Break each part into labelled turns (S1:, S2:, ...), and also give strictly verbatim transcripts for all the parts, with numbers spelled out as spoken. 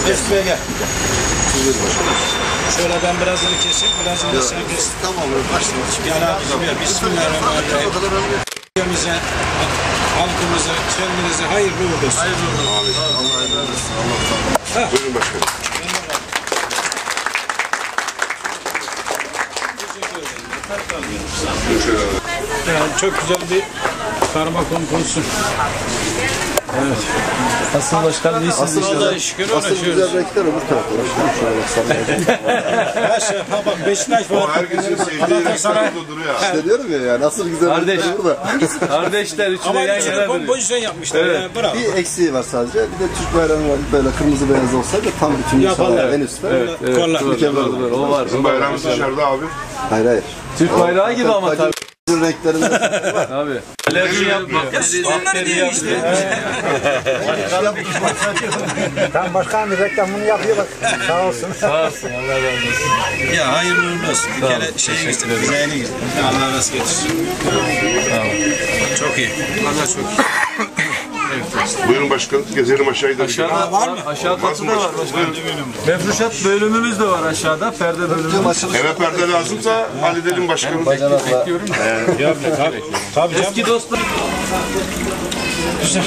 S1: Mesut'a gel. Şöyle ben birazını keseyim, birazını da sen kes.
S2: Tamam, başlayalım.
S1: Gel abi, bismillahirrahmanirrahim. Ülkemize, halkımıza, kendinize hayırlı uğurlu olsun.
S2: Hayırlı olsun. Allah razı olsun. Allah razı olsun. Buyurun başkanım.
S1: Yani çok güzel bir karma kompozisyonu. Evet.
S3: Asıl başkan iyisiniz.
S1: Allah'a şükür ona şükür.
S2: Güzel renkler öbür tarafta.
S1: Aşağı bak Beşiktaş var.
S2: Herkesin sevdiği renkler duruyor. İşte diyorum ya yani asıl güzel
S3: Kardeş.
S2: renkler burada.
S3: Kardeşler üçü de
S1: Ama
S3: yan
S1: üçünü
S3: yana duruyor.
S1: kompozisyon yapmışlar. Evet. Ya, bravo.
S2: Bir eksiği var sadece. Bir de Türk bayrağı var. Böyle kırmızı beyaz olsaydı tam bütün
S1: Yaparlar.
S2: en üstte.
S3: Evet, evet.
S1: Kollar.
S3: Mükemmel olur. O var.
S4: Bizim bayrağımız dışarıda abi.
S2: Hayır hayır.
S3: Türk bayrağı gibi ama tabii.
S2: Renklerinde
S3: Abi. Alerji yapma.
S1: Onları diyor işte.
S5: Tam başkan reklamını yapıyor bak. Sağ olsun.
S3: Sağ olsun. Allah razı olsun.
S1: Ya hayırlı uğurlu olsun. Bir kere şeyi geçtik. Güzelliğini geçtik. Allah nasıl getirsin. Çok iyi. Allah çok iyi.
S4: Buyurun başkanım, gezelim aşağıya da.
S3: Aşağıda var mı? Aşağı katı da var başkanım. Mefruşat bölümümüz de var aşağıda. Perde bölümümüz.
S4: Eve perde lazımsa halledelim başkanım.
S3: Bekliyorum.
S1: Tabii. Tabii canım.
S3: Eski dostlar.
S1: Güzel.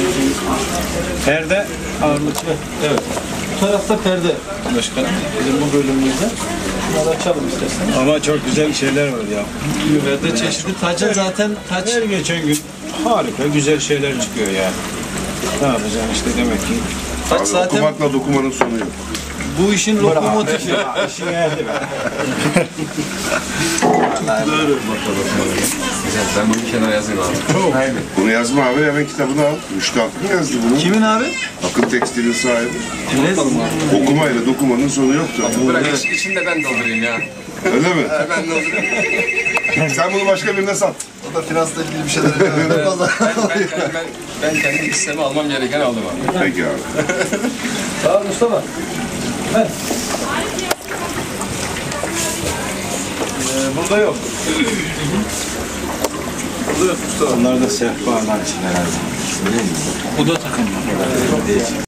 S1: Perde ağırlıklı.
S3: Evet. Bu tarafta perde başkanım. Bizim bu bölümümüzde. Bunları açalım isterseniz.
S1: Ama çok güzel şeyler var ya.
S3: Perde çeşitli. Tacı zaten taç.
S1: Her geçen gün harika güzel şeyler çıkıyor ya. Ne yapacaksın işte demek ki.
S3: Taç
S4: Abi,
S3: zaten
S4: okumakla dokumanın sonu yok.
S3: bu işin lokomotifi.
S1: İşin geldi be.
S6: Güzel, ben bunu kenara yazayım abi. Aynen.
S4: Bunu yazma abi, hemen kitabını al. Rüştü Akın yazdı bunu.
S3: Kimin abi?
S4: Akın Tekstil'in sahibi.
S3: Ne?
S4: Okumayla dokumanın sonu yoktu.
S6: Bırak iç, içini de ben doldurayım ya.
S4: Öyle mi?
S6: Ben doldurayım.
S4: Sen bunu başka birine sat.
S2: O da finansla ilgili bir şeyler yapıyor.
S6: Ben, ben, ben, ben, ben kendi hissemi almam gereken aldım abi.
S4: Peki abi.
S3: Sağ ol Mustafa. Evet. Ee, burada yok. Burada yok Mustafa.
S1: Onlar da sehpalar için herhalde.
S3: Bu da takım.